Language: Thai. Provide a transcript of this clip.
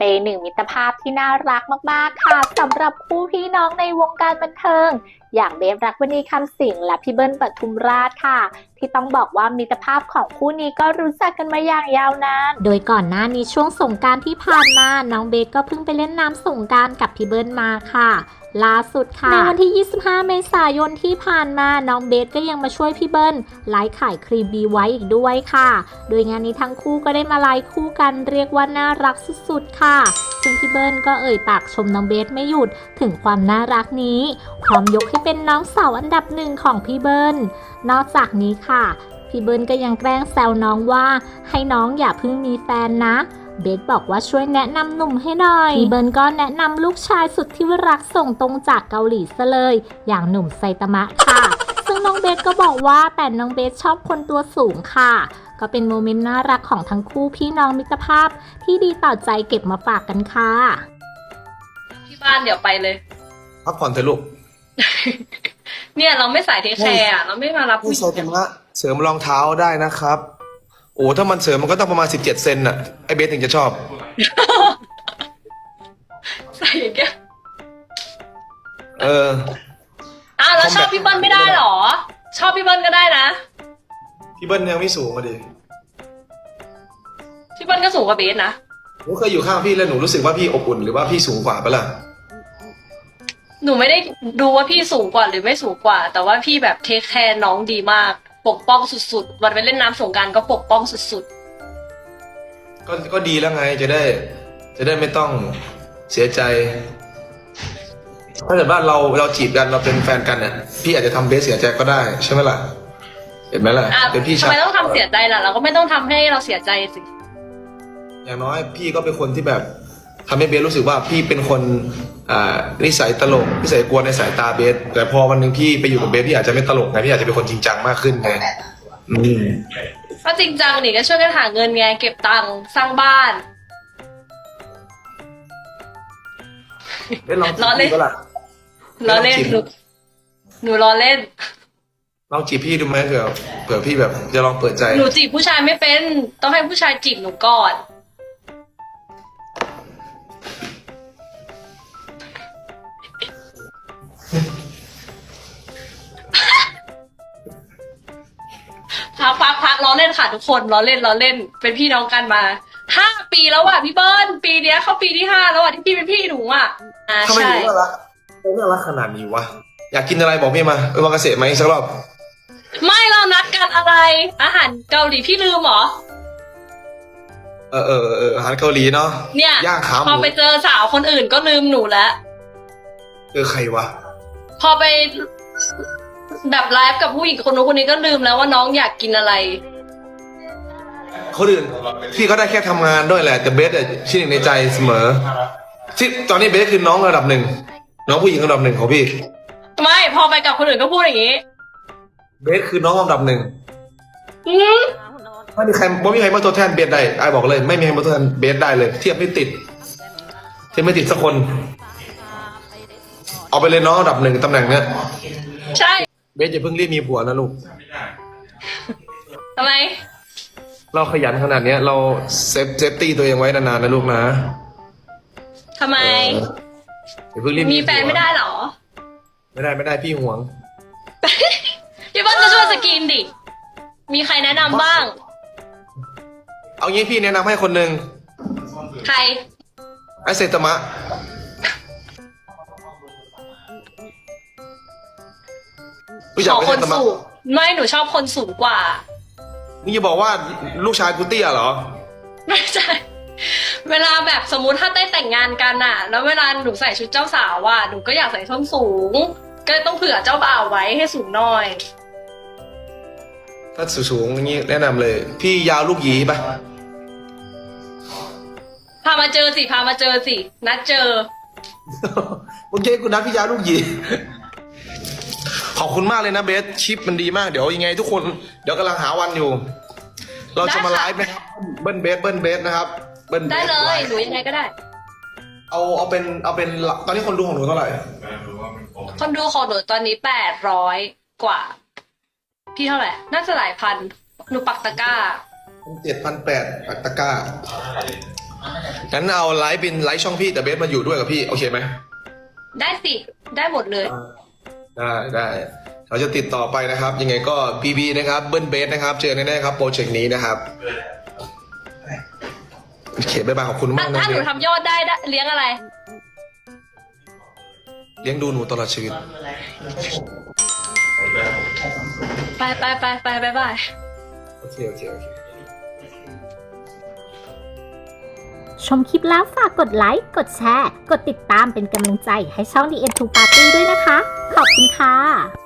เป็นหนึ่งมิตรภาพที่น่ารักมากๆค่ะสำหรับคู่พี่น้องในวงการบันเทิงอย่างเบฟรักวณีคำสิงห์และพี่เบิ้ลปทุมราชค่ะที่ต้องบอกว่ามิตรภาพของคู่นี้ก็รู้จักกันมาอย่างยาวนานโดยก่อนหน้านี้ช่วงสงกรานต์ที่ผ่านมาน้องเบฟก็เพิ่งไปเล่นน้ำสงกรานต์กับพี่เบิ้ลมาค่ะล่าสุดค่ะในวันที่ 25 เมษายนที่ผ่านมาน้องเบสก็ยังมาช่วยพี่เบิ้ลไลฟ์ขายครีมบีไว้อีกด้วยค่ะโดยงานนี้ทั้งคู่ก็ได้มาไลฟ์คู่กันเรียกว่าน่ารักสุดๆค่ะซึ่งพี่เบิ้ลก็เอ่ยปากชมน้องเบสไม่หยุดถึงความน่ารักนี้พร้อมยกให้เป็นน้องสาวอันดับหนึ่งของพี่เบิ้ลนอกจากนี้ค่ะพี่เบิ้ลก็ยังแกล้งแซวน้องว่าให้น้องอย่าเพิ่งมีแฟนนะเบสบอกว่าช่วยแนะนำหนุ่มให้หน่อยพี่เบิร์นก็แนะนำลูกชายสุดที่รักส่งตรงจากเกาหลีซะเลยอย่างหนุ่มไซตามะค่ะซึ่งน้องเบสก็บอกว่าแต่น้องเบสชอบคนตัวสูงค่ะก็เป็นโมเมนต์น่ารักของทั้งคู่พี่น้องมิตรภาพที่ดีต่อใจเก็บมาฝากกันค่ะที่บ้านเดี๋ยวไปเลยพักผ่อนเถอะลูกเนี่ยเราไม่ใส่เทคแคร์อะเราไม่มารับผู้ผู้หโซญิงตมะเสริมรองเท้าได้นะครับโอ้ถ้ามันเสริมมันก็ต้องประมาณ17 เซนน่ะไอเบสถึงจะชอบใส่อย่างเงี้ยเออแล้วชอบพี่เบิ้ลไม่ได้หรอ ชอบพี่เบิ้ลก็ได้นะพี่เบิ้ลยังไม่สูงมาดิพี่เบิ้ลก็สูงกว่าเบสนะหนูเคยอยู่ข้างพี่แล้วหนูรู้สึกว่าพี่อบอุ่นหรือว่าพี่สูงกว่าปะล่ะหนูไม่ได้ดูว่าพี่สูงกว่าหรือไม่สูงกว่า แต่ว่าพี่แบบเทคแคร์น้องดีมาก ปกป้องสุดๆวันไปเล่นน้ำสงกรานต์ก็ปกป้องสุดก็ดีแล้วไงจะได้ไม่ต้องเสียใจ ถ้าเกิดว่าเราจีบกันเราเป็นแฟนกันเนี่ยพี่อาจจะทำเบสเสียใจก็ได้ใช่ไหมล่ะเห็นไหมล่ะเป็นพี่ทำชายไมต้องทำเสียใจล่ะเราก็ไม่ต้องทำให้เราเสียใจสิอย่างน้อยพี่ก็เป็นคนที่แบบทำให้เบสรู้สึกว่าพี่เป็นคนนิสัยตลกนิสัยกวนในสายตาเบสแต่พอวันหนึ่งพี่ไปอยู่กับเบสพี่อาจจะไม่ตลกไงพี่อาจจะเป็นคนจริงจังมากขึ้นไงก็จริงจังนี่ก็ช่วยกันหาเงินไงเก็บตังค์สร้างบ้านเบสลองจีบพี่ก็ล่ะล้อเล่นหนูล้อเล่นลองจีบพี่ดูไหมเผื่อพี่แบบจะลองเปิดใจหนูจีบผู้ชายไม่เป็นต้องให้ผู้ชายจีบหนูก่อนพักล้อเล่นค่ะทุกคนล้อเล่นเป็นพี่น้องกันมา5 ปีแล้วอ่ะพี่เบิ้ลปีเนี้ยเข้าปีที่5แล้วอ่ะที่พี่เป็นพี่หนูอ่ะทำไมใช่ถึงน่ารักขนาดนี้วะอยากกินอะไรบอกพี่มาไปวางเกษตรไหมสักรอบไม่เรานัดกันอะไร อาหารเกาหลีพี่ลืมเหรออาหารเกาหลีเนาะเนี่ยย่างขาหมูพอไปเจอสาวคนอื่นก็ลืมหนูแล้วใครวะพอไปแบบไลฟ์กับผู้หญิงคนนู้นคนนี้ก็ลืมแล้วว่าน้องอยากกินอะไรคนอื่นพี่ก็ได้แค่ทำงานด้วยแหละแต่เบสชื่อหนึ่งในใจเสมอที่ตอนนี้เบสคือน้องระดับหนึ่งน้องผู้หญิงระดับหนึ่งของพี่ไม่พอไปกับคนอื่นก็พูดอย่างนี้เบสคือน้องระดับหนึ่ง ไม่มีใครมาตัวแทนเบสได้ไอ้บอกเลยไม่มีใครมาตัวแทนเบสได้เลย เทียบไม่ติดสักคนเอาไปเลยน้องระดับหนึ่งตำแหน่งเนี้ยใช่เบสอย่าเพิ่งรีบมีผัวนะลูกทำไมเราขยันขนาดเนี้ยเราเซฟตี้ตัวเองไว้นานๆนะลูกนะทำไมอย่าเพิ่งรีบมีแฟนไม่ได้เหรอไม่ได้พี่ห่วงพี่เบิ้ลจะช่วยสกรีนดิ มีใครแนะนำบ้างเอางี้พี่แนะนำให้คนหนึ่งใครไอเซตามะรู้ขจักอไอคเซนตามะสูงไม่หนูชอบคนสูงกว่านี่จะบอกว่าลูกชายกูเตี้ยเหรอไม่ใช่ เวลาแบบสมมุติถ้าได้แต่งงานกันอะแล้วเวลาหนูใส่ชุดเจ้าสาวอะหนูก็อยากใส่ส้นสูง ก็เลยต้องเผื่อเจ้าบ่าวไว้ให้สูงหน่อยถ้าสูงๆอย่างนี้แนะนำเลย พี่ยาวลูกหยีปะพามาเจอสินัดเจอโอเคคุณนัดพี่ยาวลูกหยี ขอบคุณมากเลยนะเบสชิปมันดีมากเดี๋ยวยังไงทุกคนเดี๋ยวกำลังหาวันอยู่ เราจะมาไลฟ์นะครับเบิ้ลเบสนะครับเบิ้ลเบสได้เลยหนูยังไงก็ได้เอาเป็นตอนนี้คนดูของหนูเท่าไหร่คนดูของหนูตอนนี้800 กว่า พี่เท่าไหร่ น่าจะหลายพัน หนูปักตะกร้า 7,800ปักตะกร้างั้นเอาไลฟ์เป็นไลฟ์ช่องพี่แต่เบสมาอยู่ด้วยกับพี่โอเคไหมได้สิ ได้หมดเลยได้เราจะติดต่อไปนะครับ ยังไงก็พีบีนะครับเบิ้ลเบสนะครับเจอแน่ๆครับโปรเจกต์นี้นะครับโอเคบ๊ายบายขอบคุณมากนะถ้าหเบนูสทำยอดได้เลี้ยงอะไรเลี้ยงดูหนูตลอดชีวิตไปบายโอเคชมคลิปแล้วฝากกดไลค์ กดแชร์ กดติดตามเป็นกำลังใจให้ช่อง The End to Party ด้วยนะคะ ขอบคุณค่ะ